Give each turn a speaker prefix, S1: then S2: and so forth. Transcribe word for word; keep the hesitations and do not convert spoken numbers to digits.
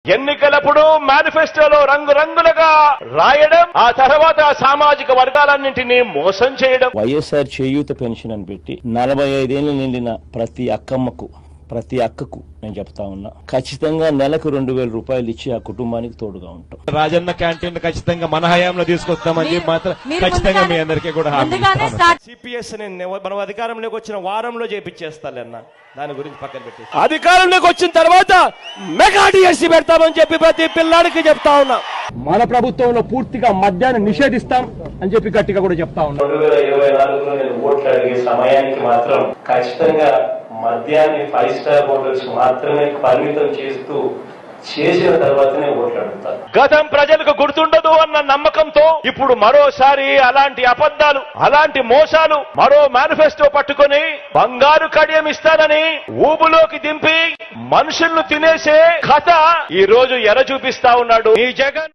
S1: ఎన్నికలప్పుడు మేనిఫెస్టోలో రంగురంగులుగా రాయడం, ఆ తర్వాత సామాజిక వర్గాలన్నింటినీ మోసం చేయడం.
S2: వైఎస్ఆర్ చేయూత పెన్షన్ అని పెట్టి నలభై ఐదేళ్లు నిండిన ప్రతి అక్కమ్మకు ప్రతి అక్కకు నేను చెప్తా ఉన్నా, ఖచ్చితంగా నెలకు రెండు వేల రూపాయలు ఇచ్చి ఆ కుటుంబానికి తోడుగా ఉంటాం.
S3: రాజన్న క్యాంటీన్ ఖచ్చితంగా మన హయాంలో తీసుకొస్తామని చెప్పి మాత్రం ఖచ్చితంగా మీ అందరికీ కూడా
S1: సిపిఎస్ మనం అధికారంలోకి వచ్చిన వారంలో చేపించేస్తాలన్న, దాని గురించి పక్కన పెట్టి అధికారంలోకి వచ్చిన తర్వాత మెగా డిఎస్సీ పెడతామని చెప్పి ప్రతి పిల్లాడికి చెప్తా ఉన్నా.
S2: మన ప్రభుత్వంలో పూర్తిగా మద్యాన్ని నిషేధిస్తాం అని చెప్పి గట్టిగా కూడా చెప్తా ఉన్నా.
S1: రెండు వేల ఇరవై నాలుగులో నేను ఓట్లు అడిగే సమయానికి మాత్రం ఖచ్చితంగా మద్యాన్ని ఫైవ్ స్టార్ హోటల్స్ మాత్రమే పరిమితం చేస్తూ చేసిన తర్వాతనే ఓట్లు అడుగుతారు. గతం ప్రజలకు గుర్తుండదు అన్న నమ్మకంతో ఇప్పుడు మరోసారి అలాంటి అబద్ధాలు, అలాంటి మోసాలు, మరో మేనిఫెస్టో పట్టుకొని బంగారు కడియం ఇస్తానని ఊబులోకి దింపి మనుషులను తినేసే కథ ఈ రోజు ఎర చూపిస్తా ఉన్నాడు ఈ జగన్.